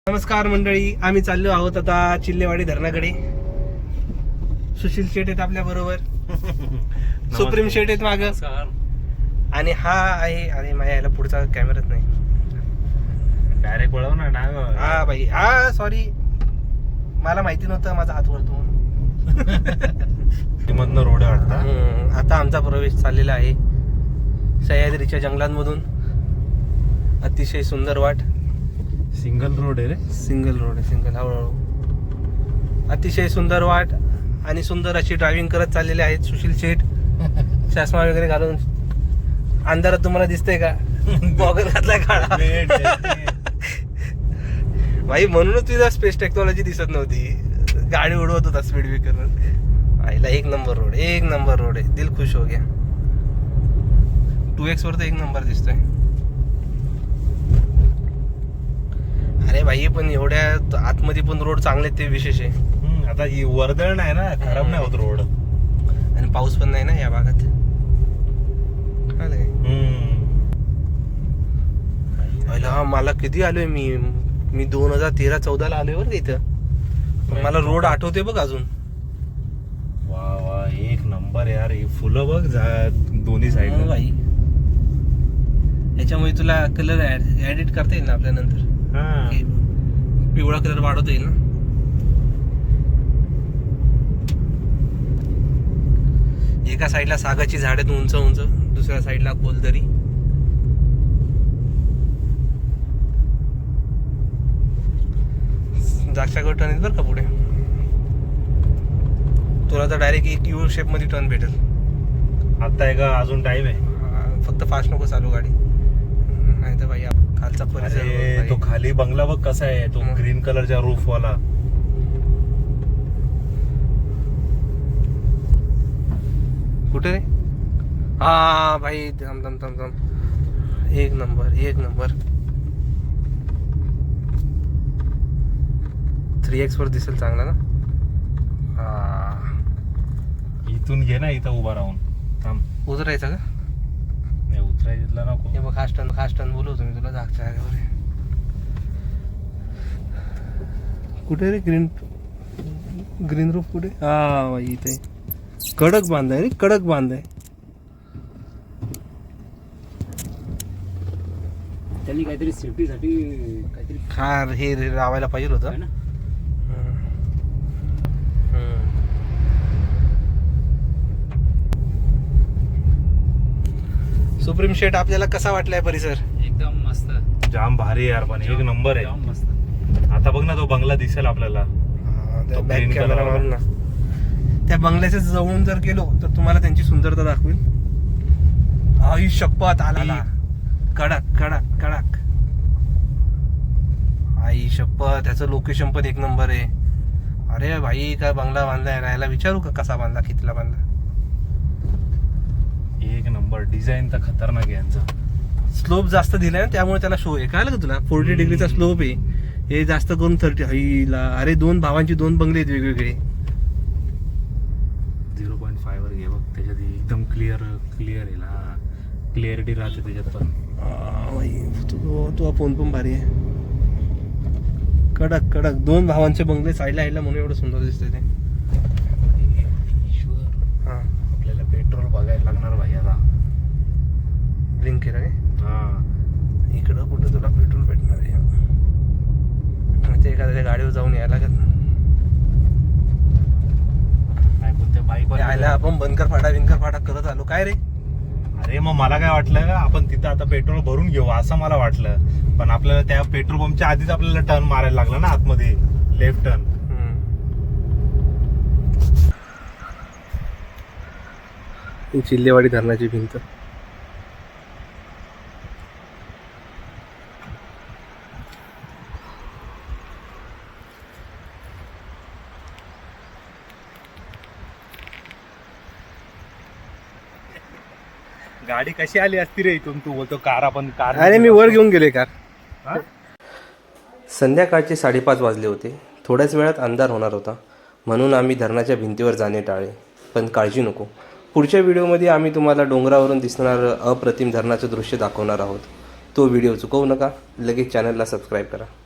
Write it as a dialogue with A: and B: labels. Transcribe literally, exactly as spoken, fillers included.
A: नमस्कार मंडळी, आम्ही चाललो आहोत आता चिल्लेवाडी धरणाकडे. सुशील शेट आहेत आपल्या बरोबर, सुप्रीम शेट आहेत माग, आणि हा आहे. अरे माझ्या याला पुढचा कॅमेराच नाही,
B: डायरेक्ट वळव ना.
A: हा भाई, हा सॉरी, मला माहिती नव्हतं माझा हात वळतो.
B: मधनं रोड वाटतं.
A: आता आमचा प्रवेश चाललेला आहे सह्याद्रीच्या जंगलांमधून. अतिशय सुंदर वाट.
B: सिंगल रोड आहे रे.
A: सिंगल रोड आहे, सिंगल. हळूहळू अतिशय सुंदर वाट आणि सुंदर अशी ड्रायव्हिंग करत चाललेले आहेत सुशील शेठ. चष्मा वगैरे घालून. अंधारात तुम्हाला दिसतंय का? गॉगल घातलाय काळा. भाई म्हणूनच तुझा स्पेस टेक्नॉलॉजी दिसत नव्हती. गाडी उडवत होता स्पीड ब्रेकर. आईला एक नंबर रोड, एक नंबर रोड आहे. दिल खुश हो गया. टू एक्स वर तर एक नंबर दिसतोय. अरे भाई पण एवढ्या आतमध्ये पण रोड चांगले ते विशेष आहे.
B: आता ही वर्दळ नाही ना, खराब नाही होत रोड.
A: आणि पाऊस पण नाही ना या भागात. पहिला मला किती आलोय मी मी दोन हजार तेरा चौदा ला आलोय बरं इथं. मला रोड आठवते बघ अजून.
B: वा वा, एक नंबर यार. ही फुलं बघ दोन्ही साईड
A: भाई. याच्यामुळे तुला कलर ऍडिट करता येईल ना आपल्या नंतर. पिवळा कलर वाढवता येईल ना. एका साईडला सागाची झाड आहेत उंच उंच, दुसऱ्या साईडला कोलदरी. द्राक्षागड टर्न आहेत बरं का पुढे. तुला तर डायरेक्ट एक यू शेप मध्ये टर्न भेटेल.
B: आता आहे का अजून टाइम आहे?
A: फक्त फास्ट नको चालू गाडी, नाही तर भाई खालचा परिसर.
B: तो खाली बंगला बघ कसा आहे, तो ग्रीन कलरच्या रूफ वाला.
A: कुठे रे? हा भाई, थांब थांब थांब थांब. एक नंबर, एक नंबर. थ्री एक्स वर दिसेल चांगला ना. हा,
B: इथून घे ना, इथं उभा राहून. थांब.
A: उतरायचा का?
B: नाही उतरायला नको.
A: हे बघ, खास टन खास टन बोलवतो मी तुला. जागच्या जागेवर. कुठे रे ग्रीन ग्रीन रूफ कुठे? हा भाई इथे कडक बांधाय रे, कडक बांधाय.
C: त्यांनी काहीतरी सेफ्टीसाठी काहीतरी
A: खार हे रे लावायला पाहिजे होतं
C: ना.
A: सुप्रीम शेट, आपल्याला कसा वाटलाय परिसर?
C: एकदम मस्त,
B: जाम भारी यार. पण एक नंबर आहे.
C: जाम मस्त.
B: आता बघ ना, तो बंगला दिसेल आपल्याला.
A: त्या बॅक
B: green
A: कॅमेरा
B: color
A: मारून ना. त्या बंगल्याच्या जवळून जर गेलो तर तुम्हाला त्यांची सुंदरता दाखवेल. आई शपथ, आला कडक कडक कडक. आई शपथ, त्याचं लोकेशन पण एक नंबर आहे. अरे भाई, काय बंगला बांधलाय. राहायला विचारू का कसा बांधला, कितीला बांधला?
B: एक नंबर. डिझाईन तर खतरनाक आहे यांचा.
A: स्लोप जास्त दिलाय ना, त्यामुळे त्याला शो आहे. काय का तुला? फोर्टी डिग्रीचा स्लोप आहे. हे जास्त करून थर्टी. हईला, अरे दोन भावांची दोन बंगले आहेत वेगवेगळे.
B: झिरो पॉईंट फाय वर घे बघ, त्याच्यात एकदम क्लिअर क्लिअर आहे ना. क्लिअरिटी राहते त्याच्यात पण.
A: तुझा फोन पण भारी आहे. कडक कडक दोन भावांचे बंगले साईडला यायला म्हणून एवढं सुंदर दिसतंय ते.
B: हा, आपल्याला पेट्रोल बघायला लागणार भाई आता.
A: लिंक केलं काय?
B: हा,
A: इकडं कुठं तुला पेट्रोल भेटणार आहे? ते एखाद्या गाडीवर जाऊन यायला लागत.
B: काय कोणत्या बाईक
A: यायला आपण बनकर फाटा विंकर फाटा करत आलो काय रे.
B: अरे मग मला काय वाटलं, आपण तिथं आता पेट्रोल भरून घेऊ असं मला वाटलं. पण आपल्याला त्या पेट्रोल पंपच्या आधीच आपल्याला टर्न मारायला लागला ना आतमध्ये, लेफ्ट टर्न.
A: चिल्लेवाडी धरणाची भिंत.
B: गाडी कशी आली असती रे इथून? तू बोलतो कार, आपण कार.
A: अरे मी वर घेऊन गेले कार. संध्याकाळचे साडेपाच वाजले होते. थोड्याच वेळात अंधार होणार होता, म्हणून आम्ही धरणाच्या भिंतीवर जाणे टाळले. पण काळजी नको, पुढच्या व्हिडिओमध्ये आम्ही तुम्हाला डोंगरावरून दिसणारं अप्रतिम धरणाचं दृश्य दाखवणार आहोत. तो व्हिडिओ चुकवू नका. लगेच चॅनलला सबस्क्राईब करा.